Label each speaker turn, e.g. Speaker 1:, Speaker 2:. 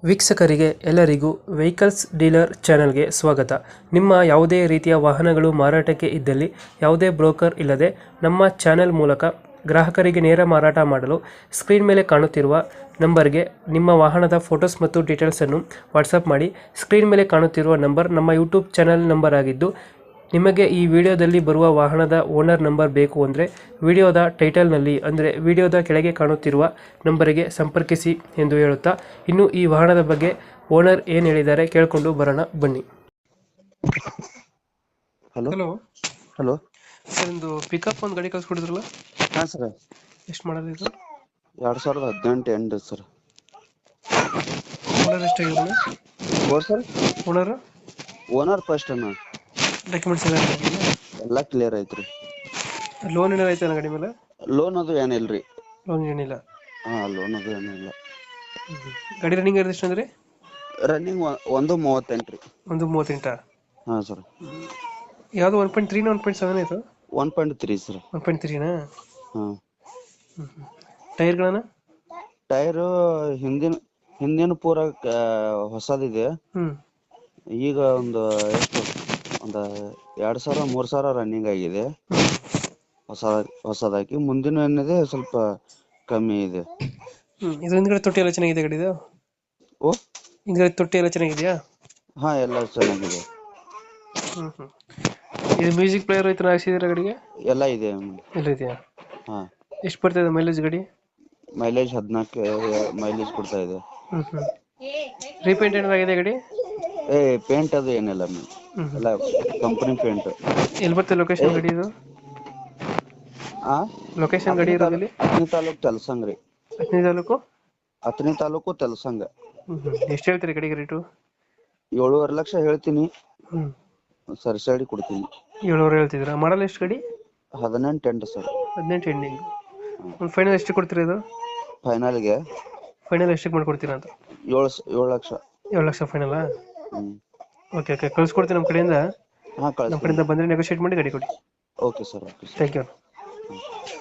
Speaker 1: ವೀಕ್ಷಕರಿಗೆ ಎಲ್ಲರಿಗೂ vehicles dealer ಚಾನೆಲ್ಗೆ ಸ್ವಾಗತ. ನಿಮ್ಮ ಯಾವುದೇ ರೀತಿಯ ವಾಹನಗಳು ಮಾರಾಟಕ್ಕೆ ಇದ್ದಲ್ಲಿ ಯಾವುದೇ ಬ್ರೋಕರ್ ಇಲ್ಲದೆ ನಮ್ಮ ಚಾನೆಲ್ ಮೂಲಕ ಗ್ರಾಹಕರಿಗೆ ನೇರ ಮಾರಾಟ ಮಾಡಲು ಸ್ಕ್ರೀನ್ ಮೇಲೆ ಕಾಣುತ್ತಿರುವ ನಂಬರ್ಗೆ ನಿಮ್ಮ ವಾಹನದ ಫೋಟೋಸ್ ಮತ್ತು ಡೀಟೇಲ್ಸನ್ನು ವಾಟ್ಸಪ್ ಮಾಡಿ. ಸ್ಕ್ರೀನ್ ಮೇಲೆ ಕಾಣುತ್ತಿರುವ ನಂಬರ್ ನಮ್ಮ ಯೂಟ್ಯೂಬ್ ಚಾನೆಲ್ ನಂಬರ್ ಆಗಿದ್ದು, ನಿಮಗೆ ಈ ವಿಡಿಯೋದಲ್ಲಿ ಬರುವ ವಾಹನದ ಓನರ್ ನಂಬರ್ ಬೇಕು ಅಂದರೆ ವಿಡಿಯೋದ ಟೈಟಲ್ನಲ್ಲಿ ಅಂದರೆ ವಿಡಿಯೋದ ಕೆಳಗೆ ಕಾಣುತ್ತಿರುವ ನಂಬರಿಗೆ ಸಂಪರ್ಕಿಸಿ ಎಂದು ಹೇಳುತ್ತಾ, ಇನ್ನು ಈ ವಾಹನದ ಬಗ್ಗೆ ಓನರ್ ಏನು ಹೇಳಿದ್ದಾರೆ ಕೇಳಿಕೊಂಡು ಬರೋಣ ಬನ್ನಿ.
Speaker 2: ಹಲೋ
Speaker 1: ಹಲೋ
Speaker 2: ಹಲೋ
Speaker 1: ಸರ್, ಒಂದು ಪಿಕಪ್ ಒಂದು ಗಾಡಿ ಕಳ್ಸ್ಕೊಡಿದ್ರಲ್ಲ,
Speaker 2: ಹಾ ಸರ್,
Speaker 1: ಎಷ್ಟು ಮಾಡೋದು ಇದು?
Speaker 2: 2018 ಎಂಡ್ ಸರ್.
Speaker 1: ಓನರ್ ಎಷ್ಟಾಗಿದ್ರು?
Speaker 2: ಸರ್
Speaker 1: ಓನರ್
Speaker 2: ಓನರ್ ಫಸ್ಟ್ ಅನ್ನ
Speaker 1: ಡಾಕ್ಯುಮೆಂಟ್ಸ್
Speaker 2: ಎಲ್ಲ ಕ್ಲಿಯರ್ ಐತ್ರಿ.
Speaker 1: ಲೋನ್ ಏನಾರು ಐತೆ ಗಾಡಿ ಮೇಲೆ?
Speaker 2: ಲೋನ್ ಅದು ಏನಿಲ್ರಿ.
Speaker 1: ಲೋನ್ ಏನಿಲ್ಲ.
Speaker 2: ಲೋನ್ ಅದು ಏನಿಲ್ಲ.
Speaker 1: ಗಾಡಿ ರನ್ನಿಂಗ್ ಇರೋದು ಎಷ್ಟು ಅಂದ್ರೆ?
Speaker 2: ರನ್ನಿಂಗ್ 1:38 ರೀ.
Speaker 1: 1:38.
Speaker 2: ಹಾ ಸರ್.
Speaker 1: ಯಾವುದು 1.3 1.7 ಆಯ್ತು?
Speaker 2: 1.3 ಸರ್.
Speaker 1: 1.3ನಾ?
Speaker 2: ಹಾ.
Speaker 1: ಟೈರ್ಗಳನ್ನ?
Speaker 2: ಟೈರ್ ಹಿಂದಿನ ಪೂರ ಹೊಸದಿದೆ. ಈಗ ಒಂದು ಎಷ್ಟು ಒಂದು 2,000-3,000 ರನ್ನಿಂಗ್ ಆಗಿದೆ ಹೊಸದಾಗಿ. ಮುಂದಿನ ಏನಿದೆ ಸ್ವಲ್ಪ ಕಮ್ಮಿ ಇದೆ.
Speaker 1: ಇದು ಹಿಂದ್ಗಡೆ ತೊಟ್ಟಿ ಎಲ್ಲ ಚೆನ್ನಾಗಿದೆ ಗಾಡಿದು?
Speaker 2: ಓ,
Speaker 1: ಹಿಂದ್ಗಡೆ ತೊಟ್ಟಿ ಎಲ್ಲ ಚೆನ್ನಾಗಿದೆಯಾ?
Speaker 2: ಹಾ, ಎಲ್ಲ ಚೆನ್ನಾಗಿದೆ.
Speaker 1: ಇದು ಮ್ಯೂಸಿಕ್ ಪ್ಲೇಯರ್ ಐತೆ ಹಾಕ್ಸಿದ್ದೀರಾ ಗಾಡಿಗೆ?
Speaker 2: ಎಲ್ಲ ಇದೆ.
Speaker 1: ಎಲ್ಲ ಇದೆಯಾ?
Speaker 2: ಹಾ.
Speaker 1: ಎಷ್ಟು ಬರ್ತದೆ ಮೈಲೇಜ್ ಗಾಡಿ?
Speaker 2: ಮೈಲೇಜ್ 14 ಮೈಲೇಜ್ ಕೊಡ್ತಾ ಇದೆ.
Speaker 1: ರೀಪೇಂಟ್ ಏನಾದ್ರು ಆಗಿದೆ ಗಾಡಿ?
Speaker 2: ಪೇಂಟ್ ಅದು ಏನಿಲ್ಲ ಎಲ್ಲ ಕಂಪನಿ ಪೇಂಟ್.
Speaker 1: ಎಲ್ಲಿ ಬರ್ತದೆ ಲೊಕೇಶನ್ ಗಾಡಿ ಇದು? ಲೊಕೇಶನ್ ಗಾಡಿ ಇರೋದಲ್ಲಿ?
Speaker 2: ಅತ್ನಿ ತಾಲೂಕು ತೆಲಸಂಗ್ರಿ.
Speaker 1: ಅತ್ನಿ ತಾಲೂಕು?
Speaker 2: ಅತ್ನಿ ತಾಲೂಕು ತೆಲಸಂಗ.
Speaker 1: ಎಷ್ಟು ಹೇಳ್ತೀರಿ ಗಾಡಿಗೆ ರೇಟು?
Speaker 2: 7.5 ಲಕ್ಷ ಹೇಳ್ತೀನಿ. ಸರಿ ಸೈಡ್ ಕೊಡ್ತೀನಿ.
Speaker 1: 7.5 ಹೇಳ್ತಿದ್ದೀರಾ? ಮಾಡಲ್ ಎಷ್ಟು ಗಾಡಿ?
Speaker 2: 18 ಎಂಡ್ ಸರ್.
Speaker 1: 18 ಎಂಡಿಂಗ್. ಒಂದು ಫೈನಲ್ ಎಷ್ಟು ಕೊಡ್ತೀರಾ ಇದು?
Speaker 2: ಫೈನಲ್ಗೆ
Speaker 1: ಫೈನಲ್ ಎಷ್ಟಕ್ಕೆ ಮಾಡ್ಕೊಡ್ತೀರಾ ಅಂತ?
Speaker 2: 7 ಲಕ್ಷ.
Speaker 1: 7 ಲಕ್ಷ ಫೈನಲಾ? ಓಕೆ ಓಕೆ, ಕಳ್ಸ್ಕೊಡ್ತೀನಿ ನಮ್ಮ ಕಡೆಯಿಂದ.
Speaker 2: ಹಾ,
Speaker 1: ನಮ್ಮ ಕಡೆಯಿಂದ ಬಂದರೆ ನೆಗೋಷಿಯೇಟ್ ಮಾಡಿ ಗಾಡಿ ಕೊಡಿ.
Speaker 2: Okay sir.
Speaker 1: Thank you.